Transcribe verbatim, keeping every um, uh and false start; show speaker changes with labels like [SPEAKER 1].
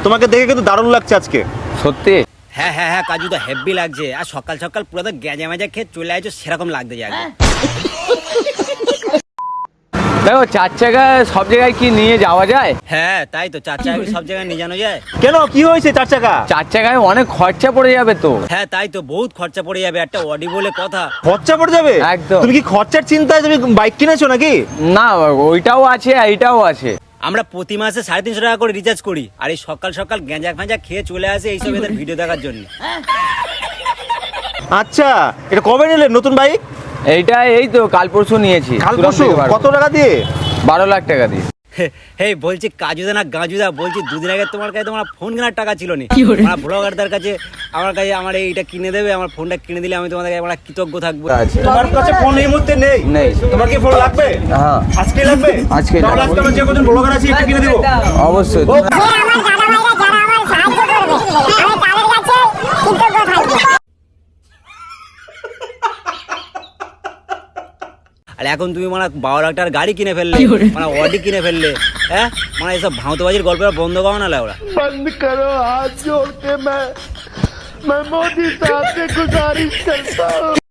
[SPEAKER 1] তোমাকে দেখে কিন্তু দারুণ লাগছে আজকে।
[SPEAKER 2] সত্যি?
[SPEAKER 3] হ্যাঁ হ্যাঁ হ্যাঁ কাজু তো হেভি লাগছে, আর সকাল সকাল পুরো তো গেঁজা মেজা খেয়ে চলে আসছো সেরকম লাগতে যায়।
[SPEAKER 2] দেখো চার চাকা সব জায়গায় কি নিয়ে যাওয়া যায়?
[SPEAKER 3] হ্যাঁ তাই তো, চার চাকা সব জায়গায় নিয়ে জানো যায়।
[SPEAKER 1] কেন, কি হয়েছে চার চাকা?
[SPEAKER 2] চার চাকায় অনেক খরচা পড়ে যাবে তো।
[SPEAKER 3] হ্যাঁ তাই তো, বহুত খরচা পড়ে যাবে, একটা অডি বলে কথা।
[SPEAKER 1] খরচা পড়ে যাবে
[SPEAKER 2] একদম।
[SPEAKER 1] তুমি কি খরচার চিন্তায় তুমি বাইক কিনেছো নাকি?
[SPEAKER 2] না ওইটাও আছে এইটাও আছে।
[SPEAKER 3] আমরা প্রতি মাসে সাড়ে তিনশো টাকা করে রিচার্জ করি, আর এই সকাল সকাল গেঁজা ফেঁজা খেয়ে চলে আসে এইসব এদের ভিডিও দেখার জন্য।
[SPEAKER 1] আচ্ছা, এটা কবে নিলে নতুন বাইক?
[SPEAKER 2] এইটা এই তো কাল পরশু নিয়েছি।
[SPEAKER 1] কাল
[SPEAKER 2] তুরাম
[SPEAKER 1] পরশু?
[SPEAKER 2] থেকে বারো।
[SPEAKER 1] কত টাকা দিয়ে?
[SPEAKER 2] বারো লাখ টাকা দিয়ে।
[SPEAKER 3] হে বলছি কাজুদা না গাজুদা, বলছি দুদিন আগে তোমার কাছে তোমার ফোন কেনার টাকা ছিল না, আমার ব্লগারদের কাছে আমার কাছে আমার এইটা কিনে দেবে, আমার ফোনটা কিনে দিলে আমি তোমাদের আমরা কৃতজ্ঞ থাকবো।
[SPEAKER 2] আচ্ছা।
[SPEAKER 1] তোমার কাছে ফোন এই মুহূর্তে নেই?
[SPEAKER 2] নেই।
[SPEAKER 1] তোমার কি ফোন লাগবে?
[SPEAKER 2] হ্যাঁ
[SPEAKER 1] আজকে লাগবে?
[SPEAKER 2] আজকে
[SPEAKER 1] তাহলে আজকে আমরা যে কজন ব্লগার আছি একটা কিনে দেবো।
[SPEAKER 2] অবশ্যই।
[SPEAKER 3] আর এখন তুমি মানে বারো লাখ টাকার গাড়ি কিনে ফেললে, মানে অডি কিনে ফেললে, হ্যাঁ মানে এসব ভাঁতবাজির গল্প বন্ধ করো না ওরা।
[SPEAKER 4] बंद करो हाथ जोड़ के मैं मैं मोदी साहब से गुजारिश करता हूँ।